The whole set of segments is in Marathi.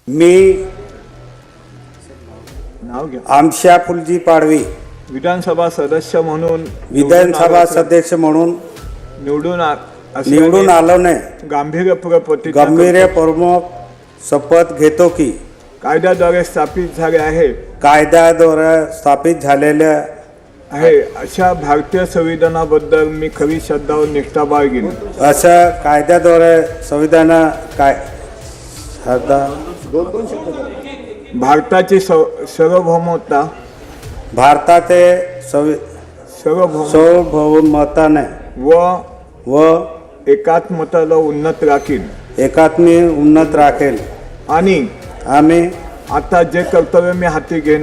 मी आमशा फुलजी पाडवी विधानसभा सदस्य म्हणून विधानसभा सदस्य म्हणून निवडून आलोने गांभीर्यपूर्वक शपथ घेतो की कायद्याद्वारे स्थापित झाले आहे झालेल्या आहे अशा भारतीय संविधानाबद्दल मी खरी श्रद्धा व निष्ठा बाळगीन। अशा कायद्याद्वारे संविधान भारताची सार्वभौमता सार्वभौमताने व एकात्मताला उन्नत राखेल आणि आम्ही आता जे कर्तव्य मी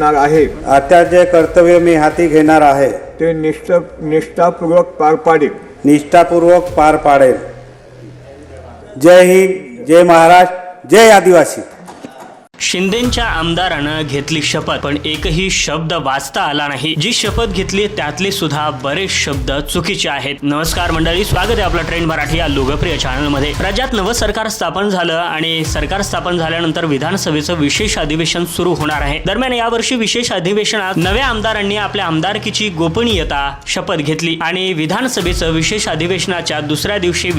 हाती घेणार आहे ते निष्ठापूर्वक पार पाडेल। जय हिंद, जय महाराष्ट्र, जय आदिवासी। शिंदेंच्या आमदारानं घेतली शपथ, पण एकही शब्द वाचता आला नाही। जी शपथ घेतली त्यातले सुद्धा बरेच शब्द चुकीचे आहेत। नमस्कार मंडळी, स्वागत आहे आपलं ट्रेंड मराठी या लोकप्रिय चॅनल मध्ये। राज्यात नवं सरकार स्थापन झालं आणि सरकार स्थापन झाल्यानंतर विधानसभेचं विशेष अधिवेशन सुरू होणार आहे। दरम्यान यावर्षी विशेष अधिवेशनात नव्या आमदारांनी आपल्या आमदारकीची गोपनीयता शपथ घेतली आणि विधानसभेचं विशेष अधिवेशनाच्या दुसऱ्या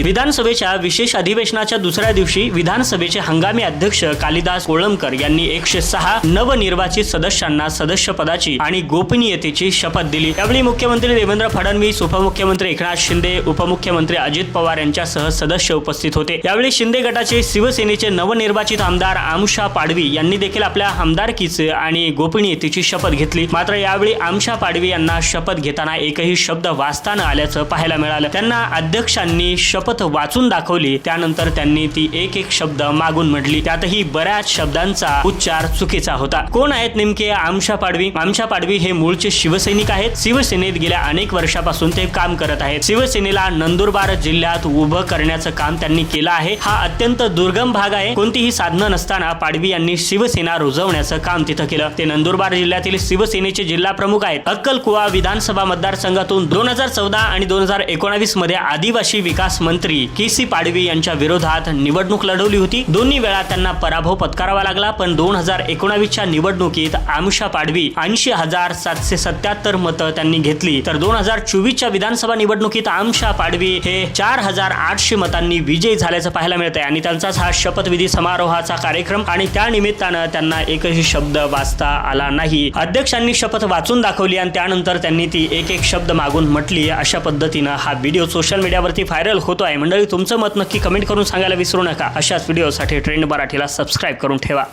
दिवशी विधानसभेचे हंगामी अध्यक्ष कालिदास कोळंबकर यांनी 106 नवनिर्वाचित सदस्यांना सदस्यपदाची आणि गोपनीयतेची शपथ दिली। यावेळी मुख्यमंत्री देवेंद्र फडणवीस, उपमुख्यमंत्री एकनाथ शिंदे, उपमुख्यमंत्री अजित पवार यांच्यासह सदस्य उपस्थित होते। यावेळी शिंदे गटाचे शिवसेनेचे नवनिर्वाचित आमदार आमशा पाडवी यांनी देखील आपल्या आमदारकीचे आणि गोपनीयतेची शपथ घेतली। मात्र यावेळी आमशा पाडवी यांना शपथ घेताना एकही शब्द वाचता न आल्याचं पाहायला मिळालं। त्यांना अध्यक्षांनी शपथ वाचून दाखवली, त्यानंतर त्यांनी ती एक शब्द मागून म्हटली। त्यातही बऱ्याच शब्दांचा उच्चार चुकीचा होता। कोण आहेत नेमके आमशा पाडवी? आमशा पाडवी हे मूळचे शिवसैनिक आहेत। शिवसेनेत गेल्या अनेक वर्षापासून ते काम करत आहेत। शिवसेनेला नंदुरबार जिल्ह्यात उभं करण्याचं काम त्यांनी केलं आहे। हा अत्यंत दुर्गम भाग आहे। कोणतीही साधनं नसताना पाडवी यांनी शिवसेना रुजवण्याचं काम तिथं केलं। ते नंदुरबार जिल्ह्यातील शिवसेनेचे जिल्हा प्रमुख आहेत। अक्कलकुवा विधानसभा मतदारसंघातून 2014 आणि 2019 मध्ये आदिवासी विकास मंत्री केसी पाडवी यांच्या विरोधात निवडणूक लढवली होती। दोन्ही वेळा त्यांना पराभव पत्करावा लागला, पण 2019च्या निवडणुकीत आमशा पाडवी 80,777 मतं त्यांनी घेतली। तर 2024च्या विधानसभा निवडणुकीत आमशा पाडवी हे 4,800 मतांनी विजयी झाल्याचं पाहायला मिळतंय आणि त्यांचाच हा शपथविधी समारोहाचा कार्यक्रम आणि त्या निमित्तानं त्यांना एकही शब्द वाचता आला नाही। अध्यक्षांनी शपथ वाचून दाखवली आणि त्यानंतर त्यांनी ती एक शब्द मागून म्हटली। अशा पद्धतीनं हा व्हिडिओ सोशल मीडियावरती व्हायरल होतो आहे। मंडळी, तुमचं मत नक्की कमेंट करून सांगायला विसरू नका। अशाच व्हिडिओसाठी ट्रेंड मराठीला सबस्क्राईब करून ठेवा।